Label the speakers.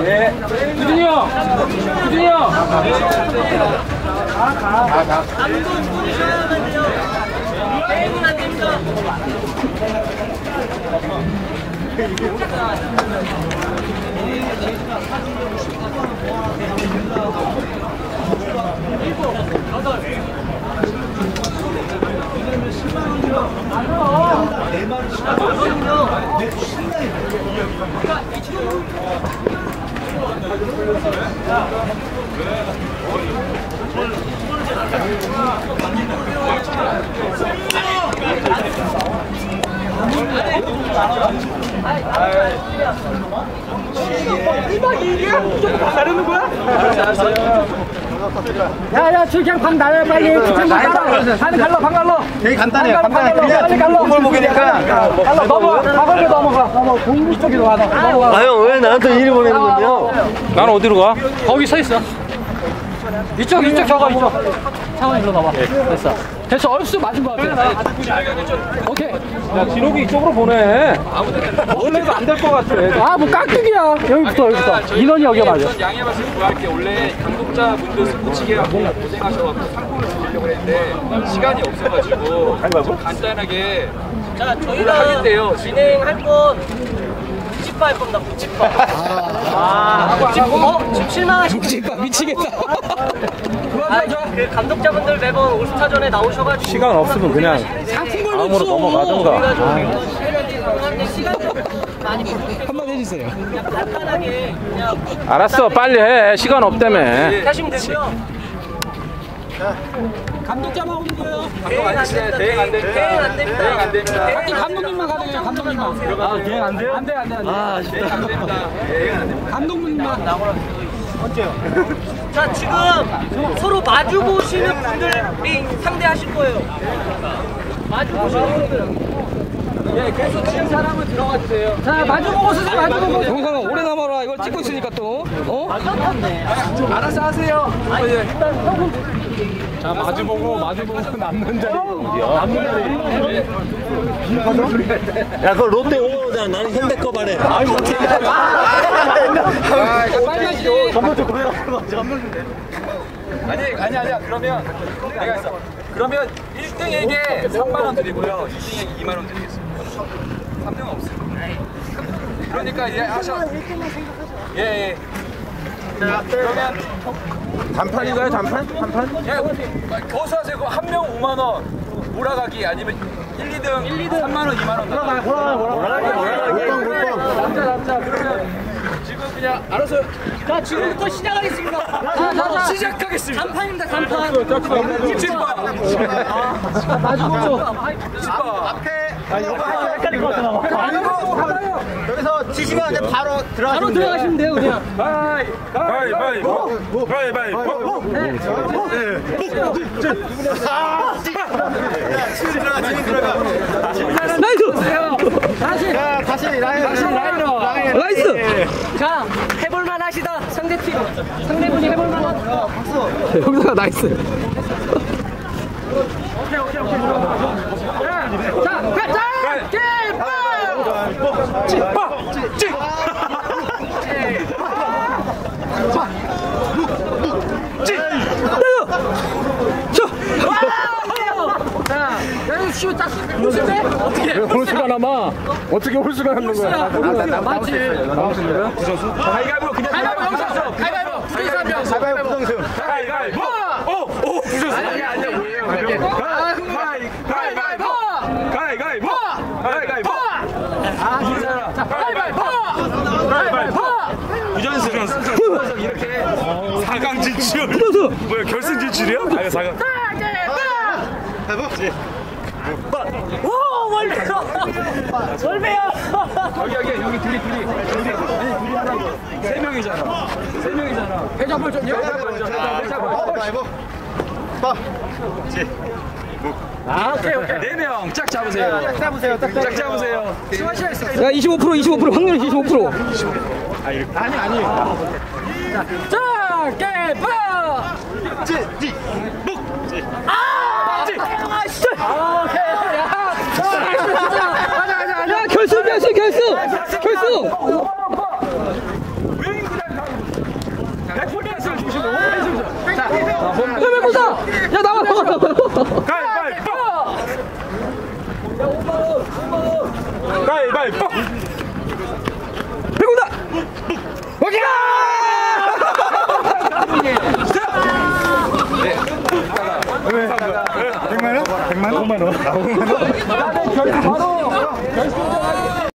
Speaker 1: 네. 규진이 형! 규진이 형! 가.
Speaker 2: 감독 보셔야면요. 게임은 안 됩니다.
Speaker 1: 나르는 거야?
Speaker 3: 야야 저 그냥 방 나야 빨리 방 갈러 방 갈러
Speaker 4: 되게 간단해요.
Speaker 3: 빨리 갈러
Speaker 4: 걸 먹이니까
Speaker 3: 넘어가 가거리 넘어가 공부 쪽으로 가 넘어가.
Speaker 4: 아형 왜 나한테 일을 보내는 건데요?
Speaker 1: 나는 어디로 가?
Speaker 3: 거기 서 있어. 이쪽 저거 이쪽. 상원 일로 나와. 됐어 얼쑤 맞은 거 같아. 오케이.
Speaker 1: 야, 진욱이 이쪽으로 보내. 원래도 안 될 것 같아.
Speaker 3: 아 뭐 깍두기야. 여기부터 인원이 여기 맞아.
Speaker 5: 양해 말씀 구할게. 원래 감독자분들 스포츠계 하고 고생하셔서 상품을 드리려고 했는데 시간이 없어가지고 좀 간단하게
Speaker 2: 자, 저희가 진행할 건 묵집바 할 겁니다. 묵집바. 묵집바. 지금 실망하시고
Speaker 3: 묵집바 미치겠다.
Speaker 2: 그 감독자분들 매번 올스타전에 나오셔가지고
Speaker 1: 시간 없으면 그냥 다음으로 넘어가던가.
Speaker 3: 한번 해주세요.
Speaker 2: 간단하게 그냥
Speaker 1: 알았어, 빨리 해. 시간 없다며.
Speaker 2: 하시면 되고요.
Speaker 3: 감독자만 오는 거예요.
Speaker 2: 대행 안 됩니다. 대행 안 됩니다. 대행 안 됩니다.
Speaker 3: 감독님만 가능해요. 감독님만.
Speaker 1: 아, 대행 안 돼요?
Speaker 3: 안 돼.
Speaker 1: 아, 진짜.
Speaker 5: 안 됩니다.
Speaker 3: 감독님만.
Speaker 2: 자, 지금 서로 마주 보시는 분들이 상대하실 거예요. 마주 보시는 분들.
Speaker 1: 예, 계속 치는 사람은 들어가 주세요.
Speaker 3: 자 마주 보고 쓰세요. 마주 보고. 영상아 오래 남아라. 이걸 찍고 있으니까 또.
Speaker 1: 알아서 하세요. 자, 마주보고 남는 자리.
Speaker 4: 야 그거 롯데 오잖아. 나는 현대 거 말해.
Speaker 1: 아니, 어떻게.
Speaker 3: 빨리 하시죠.
Speaker 1: 전부터 고생하고 아니야. 그러면 내가 했어. 그러면 1등에게 3만원 드리고요. 2등에게 2만원 드리겠습니다. 3등은 없어요. 그러니까 예, 하셔. 예. 자, 그러면 단판인가요? 단판? 예, 거기서 하세요. 한 명 5만원 몰아가기 아니면 1, 2등 3만원, 2만원. 몰아가기. 남자. 그러면 지금 그냥 알아서.
Speaker 2: 자, 지금부터 시작하겠습니다.
Speaker 1: 자, 시작하겠습니다.
Speaker 2: 간판입니다. 간판.
Speaker 1: 묵집바.
Speaker 3: 마주 보고.
Speaker 4: 여기서 치시면 이제 바로
Speaker 3: 바로 들어가시면 돼요 그냥.
Speaker 1: 가위바위보.
Speaker 3: 나이스.
Speaker 4: 다시 라이너.
Speaker 3: 나이스.
Speaker 2: 자, 해볼만 하시다. 상대팀. 상대분이 해볼만 하다.
Speaker 3: 여기다가 나이스. 자, 가자! 자, 여기 쉬우 딱 홀수인데? 어떻게?
Speaker 1: 홀수가 남아. 어떻게 홀수가 남는 거야?
Speaker 3: 맞지?
Speaker 1: 가위바위보 그냥.
Speaker 3: 가위바위보 부정수 한 명.
Speaker 4: 가위바위보 부정수.
Speaker 1: 가위바위보. 오, 부셨어. 아니야. 가위바위보. 부전수. 이렇게 4강 진출. 뭐야, 결승 진출이야? 아니, 4강.
Speaker 2: 오, 월배야.
Speaker 1: 여기 둘이. 세 명이잖아.
Speaker 3: 회전벌전이요?
Speaker 1: 오케이. 4명 짝 잡으세요. 짝 잡으세요.
Speaker 3: 야, 25% 확률이 25%.
Speaker 1: 아니.
Speaker 3: 자, 개파! 야, 결승!
Speaker 6: 가위바위보! 가위바위보! 배고다! 오케이! 왜? 100만 원? 100만 원? 5만 원? 5만 원?